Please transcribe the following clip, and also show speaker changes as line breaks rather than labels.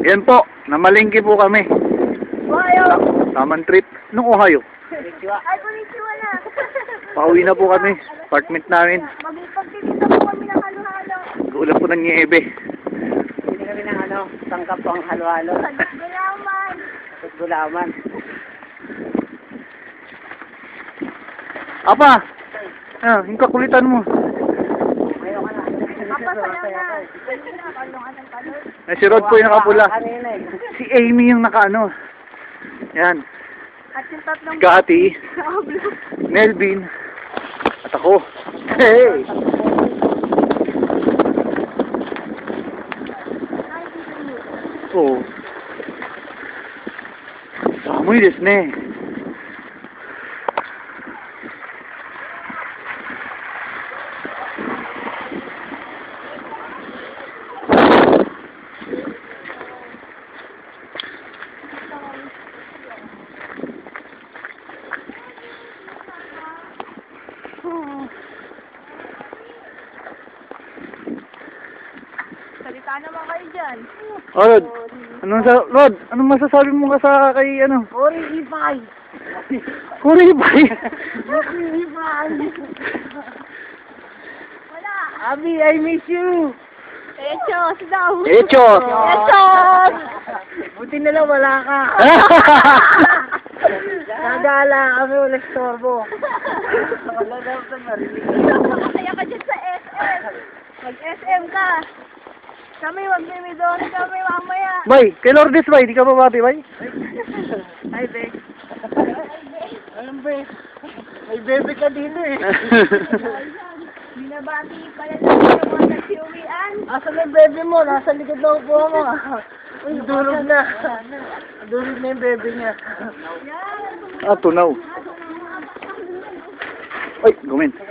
Yan po, namalingki po kami.
Ohio!
Tamang trip. Nung Ohio.
Ay, konnichiwa na!
Pauwi na po kami. Apartment namin.
Magpagtitinda po kami ng halo-halo.
Ulan po ng niebe.
Hindi kami ng tangkap po ang halo-halo.
Sagot gulaman.
At gulaman.
Apa! Ah, yung kakulitan mo.
Ayaw ka na.
Papasaya na. Kalungan ng kalor.
Eh, si Rod po yung nakapula.
Kanina eh.
Si Amy yung nakaano. Yan.
At yung tatlong...
Si Cathy, Melvin, at ako. Hey! Oo. Samuy desu ne.
Salita naman kayo dyan.
Oh, Rod, anong masasabi mo ka sa kay ano?
Orihipay!
Kuribay!
Orihipay!
Wala.
Abi, I miss you!
Echos daw.
Echos!
Echos!
Buti na lang wala ka. Nagala kami, wala storbo. Wala daw sa marinig.
Masaya ka dyan sa SM. Mag-SM ka. Kami, magmimidon kami mamaya.
Bay, kay Lourdes bay, di ka babati bay?
Ay, be. Alam, be. May bebe ka dito eh.
Binabati pala natin yung mga nagsiuwian.
Asan na yung bebe mo? Nasa likod ng upo mo. Uy, durog na. Durog na yung bebe niya.
Yan.
Ah, tunaw. Ay, gumin.